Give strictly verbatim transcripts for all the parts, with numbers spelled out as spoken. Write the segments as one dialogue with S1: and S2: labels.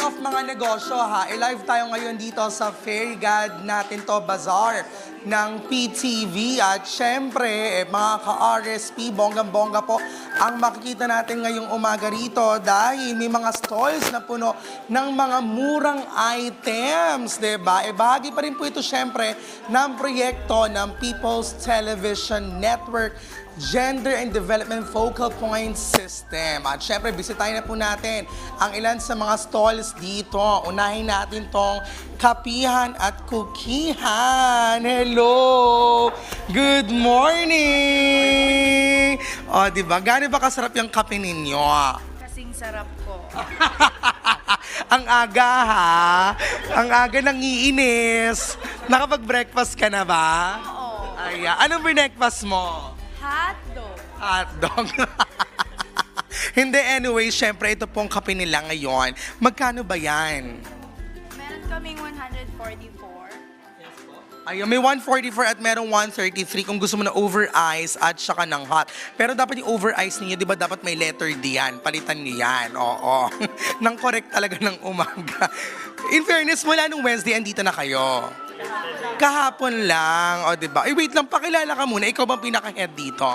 S1: of mga negosyo ha, i-live tayo ngayon dito sa Fairy God natin to Bazaar ng P T V at syempre eh, mga ka-R S P, bonggang-bongga po ang makikita natin ngayong umaga rito dahil may mga stalls na puno ng mga murang items, diba? E bahagi pa rin po ito syempre ng proyekto ng People's Television Network Gender and Development Focal Point System. At syempre, bisitahin na po natin ang ilan sa mga stalls dito. Unahin natin tong Kapihan at Kukihan. Hello! Good morning! O, di ba? Gano'n ba kasarap yung kape ninyo?
S2: Kasing sarap ko.
S1: Ang aga ha? Ang aga nang iinis. Nakapag-breakfast ka na ba?
S2: Oo.
S1: Ay, anong breakfast mo?
S2: Hotdog.
S1: Hotdog. Hindi, anyway, syempre ito pong kape nila ngayon. Magkano ba yan?
S2: Meron kaming one forty-four.
S1: Ayun, may one forty-four at merong one thirty-three kung gusto mo na over ice at saka ng hot. Pero dapat yung over ice ninyo, di ba dapat may letter D yan? Palitan niyo yan, oo. Nang correct talaga ng umaga. In fairness, mula nung Wednesday, andito na kayo. Kahapon lang, o di ba? Eh wait lang, pakilala ka muna. Ikaw bang pinaka-head dito?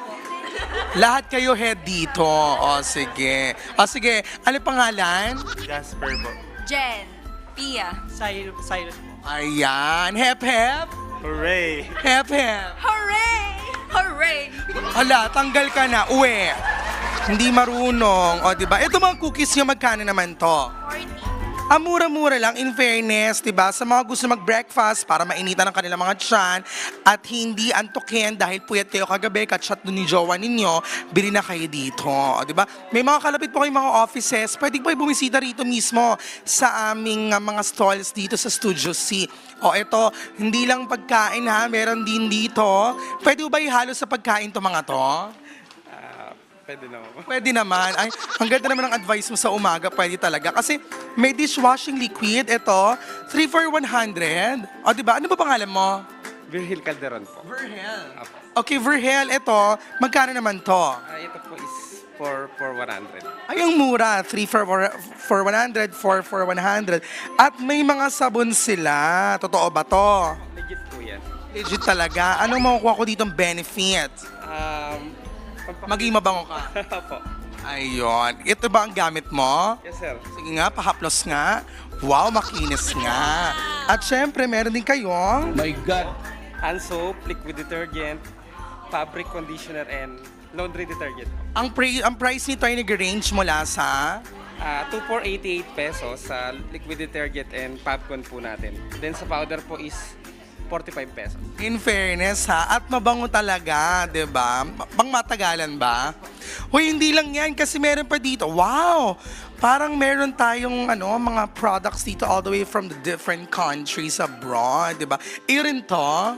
S1: Lahat kayo head dito. O sige. O sige, ano pangalan?
S3: Jasper po.
S2: Jen. Pia.
S3: Cyrus, Cyrus po.
S1: Ayan, hep hep.
S3: Hooray!
S1: Hep hep.
S2: Hooray! Hooray!
S1: Hala, tanggal ka na, uwi. Hindi marunong, o di ba? Ito mga cookies nyo, magkano naman to?
S2: forty.
S1: Ah, mura-mura lang, in fairness, di ba? Sa mga gusto mag-breakfast para mainitan ang kanilang mga tiyan at hindi antukin dahil puyat kayo kagabi, katchat doon ni jowa ninyo, bili na kayo dito, di ba? May mga kalapit po kayong mga offices, pwede po kayo bumisita rito mismo sa aming uh, mga stalls dito sa Studio C. O eto, hindi lang pagkain ha, meron din dito. Pwede ba ihalo sa pagkain to mga to?
S3: Ah, pwede naman po.
S1: Pwede naman. Ay, ang ganda naman ng advice mo sa umaga. Pwede talaga. Kasi may dishwashing liquid. Ito, three for one hundred. O, diba? Ano ba pangalan mo?
S3: Virgil Calderon po.
S1: Verhel.
S3: Apo.
S1: Okay, Verhel, ito. Magkano naman to?
S3: Ah, ito po is for for one hundred.
S1: Ay, ang mura. three for, for one hundred, four for one hundred. At may mga sabon sila. Totoo ba to?
S3: Legit po yan.
S1: Legit talaga. Anong makukuha ko ditong benefit?
S3: Um, pampa-
S1: Maging mabango ka.
S3: Apo.
S1: Ayun. Ito ba ang gamit mo?
S3: Yes, sir.
S1: Sige nga, pahaplos nga. Wow, makinis nga. At syempre, meron din kayong...
S4: My God!
S3: Hand soap, liquid detergent, fabric conditioner, and laundry detergent.
S1: Ang, pre, ang price nito ay nag-range mula sa...
S3: Ah, two for eighty-eight pesos sa liquid detergent and popcorn po natin. Then sa powder po is forty-five pesos.
S1: In fairness ha, at mabango talaga, di ba? Pang matagalan ba? Hoy, hindi lang yan kasi meron pa dito. Wow! Parang meron tayong ano, mga products dito all the way from the different countries abroad, di ba? Iyon to?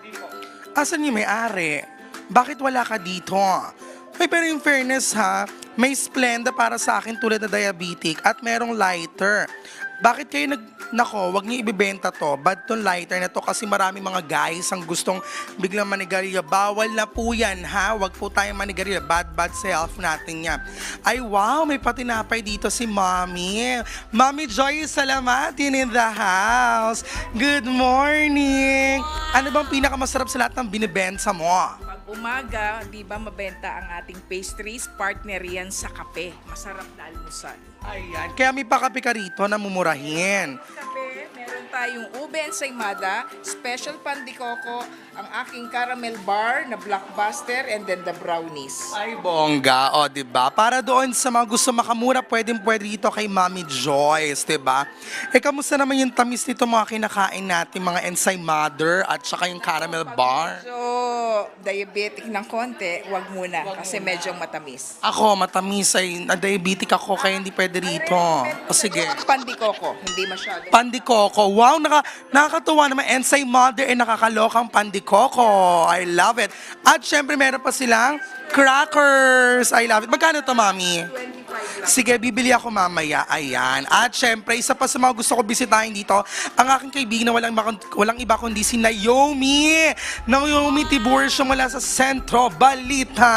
S1: Asan yung may-ari? Bakit wala ka dito? Hoy, pero in fairness ha, may Splenda para sa akin tulad na diabetic at merong lighter. Bakit kayo nag... Nako, wag niyo ibibenta to. Bad tong lighter na to kasi maraming mga guys ang gustong biglang manigarilyo. Bawal na po yan, ha? Wag po tayong manigarilyo. Bad, bad self natin yan. Ay, wow, may patinapay dito si Mommy. Mommy Joy Salamatin in the house. Good morning. Ano bang pinakamasarap sa lahat ng binibenta mo?
S5: Pag umaga, di ba mabenta ang ating pastries, partner yan sa kape. Masarap na almusal.
S1: Ayan, kaya may pakape ka rito na mumurahin.
S5: Kape, meron tayong ube ensaymada, special pandikoko, ang aking caramel bar na blockbuster, and then the brownies.
S1: Ay, bongga. O, di ba? Para doon sa mga gusto makamura, pwedeng pwede dito kay Mami Joyce, di ba? Eh, kamusta naman yung tamis nito mga kinakain natin, mga Ensay Mother at saka yung caramel bar?
S5: So, diabetic ng konti, wag muna kasi medyo matamis.
S1: Ako, matamis ay na-diabetic ako kaya hindi pwede rito. O, sige.
S5: Pandikoko, hindi masyado.
S1: Pandikoko. Wow, naka, nakakatuwa naman. Ensay Mother ay nakakalokang pandikoko. I love it. At syempre, meron pa silang crackers. I love it. Magkano to, Mami? Sige, bibili ako mamaya. Ayan. At syempre, isa pa sa mga gusto ko bisitahin dito, ang aking kaibigan na walang, walang iba kundi si Naomi. Naomi Tiburcio mula sa Sentro Balita.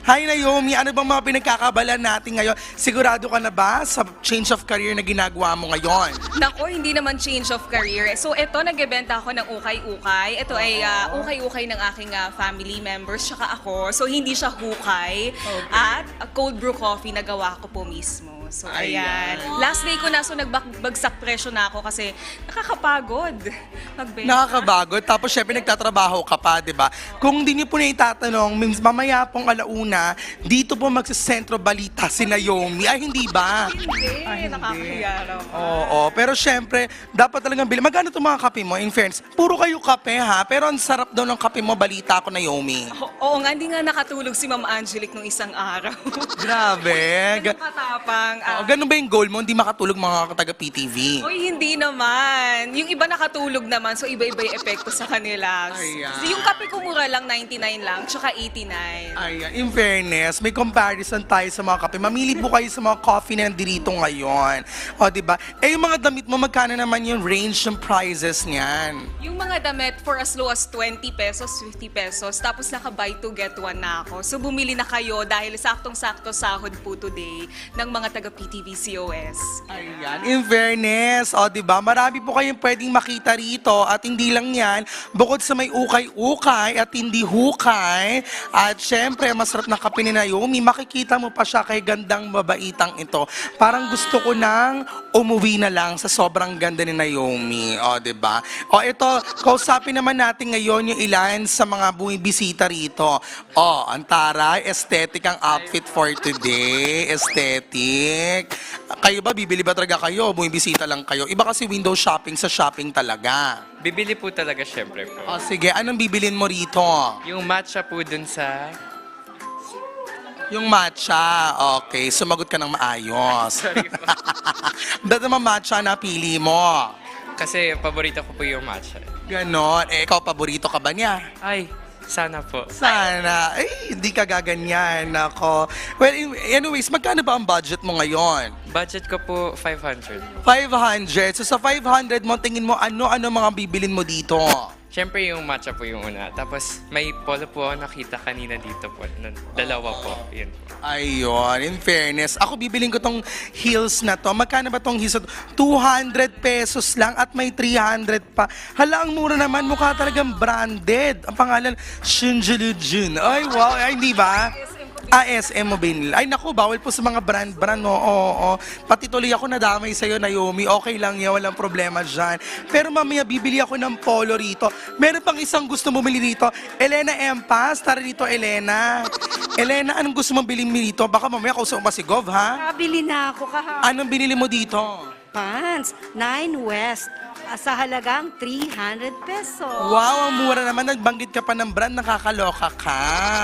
S1: Hi Naomi, ano bang mga pinagkakabalan natin ngayon? Sigurado ka na ba sa change of career na ginagawa mo ngayon?
S4: Nako, hindi naman change of career. So, ito, nagbebenta ako ng ukay-ukay. Ito ay ah, ukay-ukay ng aking ah, family members, tsaka ako. So, hindi siya hukay. At ah, cold brew coffee na gawa ko po mismo. So, ayan. Last day ko na, so nagbagsak presyo na ako kasi nakakapagod magbenta.
S1: Nakakabagod. Tapos syempre nagtatrabaho ka pa, di ba? Kung hindi niyo po na itatanong, means mamaya pong alauna, dito po magsasentro balita si Naomi. Ay, hindi ba?
S4: Hindi,
S1: Ay, hindi.
S4: nakakahiya naman.
S1: Oo, pero syempre, dapat talagang bilhin. Magkano itong mga kape mo? In fairness, puro kayo kape ha, pero ang sarap daw ng kape mo, balita ko, Naomi.
S4: O- Oo nga, hindi nga nakatulog si Ma'am Angelic nung isang araw.
S1: Grabe. Ga-
S4: Nakatapang.
S1: Oo, ganun ba yung goal mo? Hindi makatulog mga taga-P T V?
S4: Uy, hindi naman. Yung iba nakatulog naman, so iba-iba yung epekto sa kanila.
S1: Ayan.
S4: So, yung kape ko mura lang, ninety-nine lang, tsaka eighty-nine.
S1: Ayan, in fairness, may comparison tayo sa mga kape. Mamili po kayo sa mga coffee na nandito ngayon. O, di ba? Eh, yung mga damit mo, magkano naman yung range ng prices niyan?
S4: Yung mga damit for as low as twenty pesos, fifty pesos, tapos naka buy two get one na ako. So bumili na kayo dahil saktong-sakto sahod po today ng mga taga P T V C O S.
S1: Ayan, in fairness, o di ba, marami po kayong pwedeng makita rito at hindi lang yan, bukod sa may ukay-ukay at hindi hukay, at syempre, masarap na kape ni Naomi, makikita mo pa siya kay gandang babaitang ito. Parang gusto ko nang umuwi na lang sa sobrang ganda ni Naomi, o di ba? O ito, kausapin naman natin ngayon yung ilan sa mga bumibisita rito. O, ang taray, aesthetic ang outfit for today, aesthetic. Kayo ba, bibili ba talaga kayo? Bumibisita lang kayo? Iba kasi window shopping sa shopping talaga.
S6: Bibili po talaga syempre po.
S1: O sige, anong bibilin mo rito?
S6: Yung matcha po dun sa...
S1: Yung matcha. Okay, sumagot ka ng maayos.
S6: Sorry po.
S1: Ba't naman matcha na pili mo?
S6: Kasi paborito ko po yung matcha.
S1: Ganon. Eh, ikaw, paborito ka ba niya?
S6: Ay, sana po.
S1: Sana. Ay, hindi ka gaganyan. Ako. Well, anyways, magkano ba ang budget mo ngayon?
S6: Budget ko po five hundred.
S1: five hundred. So sa five hundred mo, tingin mo ano-ano mga bibilin mo dito?
S6: Syempre yung matcha po yung una. Tapos may polo po ako nakita kanina dito po. Nun- Dalawa po. Yun po.
S1: Ayun, in fairness. Ako bibiling ko tong heels na to. Magkano ba tong heels na to? two hundred pesos lang at may three hundred pa. Hala, ang mura naman. Mukha talagang branded. Ang pangalan, Shinjulujun. Ay, wow. Ay, hindi ba? Ah, S M mo binil. Ay, naku, bawal po sa mga brand-brand, no? Oo, oo. Pati tuloy ako nadamay sa'yo, Naomi. Okay lang yan, walang problema dyan. Pero mamaya, bibili ako ng polo rito. Meron pang isang gusto mo bumili rito. Elena Empas, tara rito, Elena. Elena, anong gusto mong bilhin mo rito? Baka mamaya kausap mo si Gov, ha?
S7: Kabili na ako kahapon.
S1: Anong binili mo dito?
S7: Pants, nine West, ah, sa halagang three hundred pesos.
S1: Wow, ang mura naman. Nagbanggit ka pa ng brand, nakakaloka ka.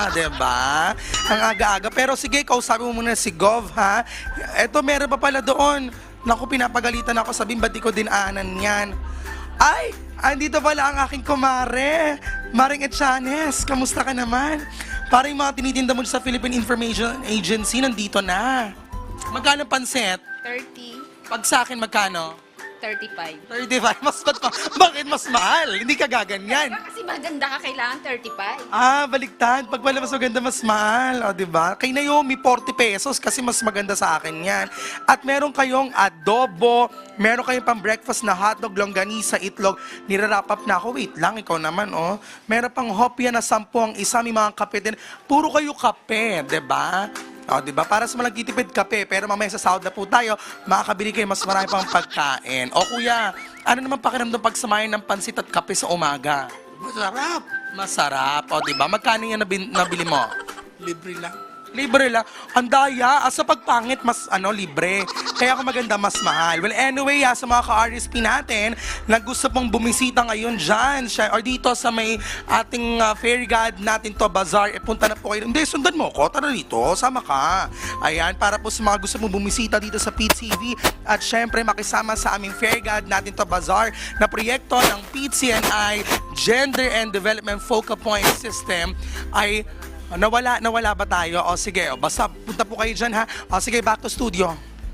S1: Diba? Ang aga-aga. Pero sige, kausapin mo muna si Gov, ha? Eto, meron pa pala doon. Naku, pinapagalitan ako. Sabihin, ba't di ko dinaanan yan? Ay, andito pala ang aking kumare. Maring Echanes, kamusta ka naman? Parang yung mga tinitinda mo sa Philippine Information Agency, nandito na. Magkano panset?
S2: thirty,
S1: Pag sa akin, magkano?
S2: thirty-five.
S1: thirty-five. Mas, mas, bakit mas mahal? Hindi ka gaganyan.
S2: Kasi maganda ka, kailangan thirty-five.
S1: Ah, baliktad. Pag pala mas maganda, mas mahal. O, di ba? Kay Naomi, forty pesos kasi mas maganda sa akin yan. At meron kayong adobo, meron kayong pang breakfast na hotdog, longganisa, itlog. Nirarap up na ako. Wait lang, ikaw naman, oh. Meron pang hopya na sampu ang isa, may mga kape din. Puro kayo kape, di ba? O, di ba? Para sa mga nagtitipid kape, pero mamaya sa sahod na po tayo, makakabili kayo mas marami pang pagkain. O kuya, ano naman pakiramdam pag samayin ng pansit at kape sa umaga? Masarap. Masarap. O, di ba? Magkano yan nabin- nabili mo? Libre lang. Libre lang. Ang daya. Ah, sa pagpangit, mas ano, libre. Kaya kung maganda, mas mahal. Well, anyway, ah, sa mga ka-R S P natin, na gusto pong bumisita ngayon dyan, siya, or dito sa may ating uh, fairy god natin to, bazaar, eh, punta na po kayo. Hindi, sundan mo ko. Tara dito. Sama ka. Ayan, para po sa mga gusto mong bumisita dito sa P T V. At syempre, makisama sa aming fairy god natin to, bazaar, na proyekto ng P T N I Gender and Development Focal Point System ay nawala, nawala ba tayo? O sige, o, basta punta po kayo dyan ha. O sige, back to studio.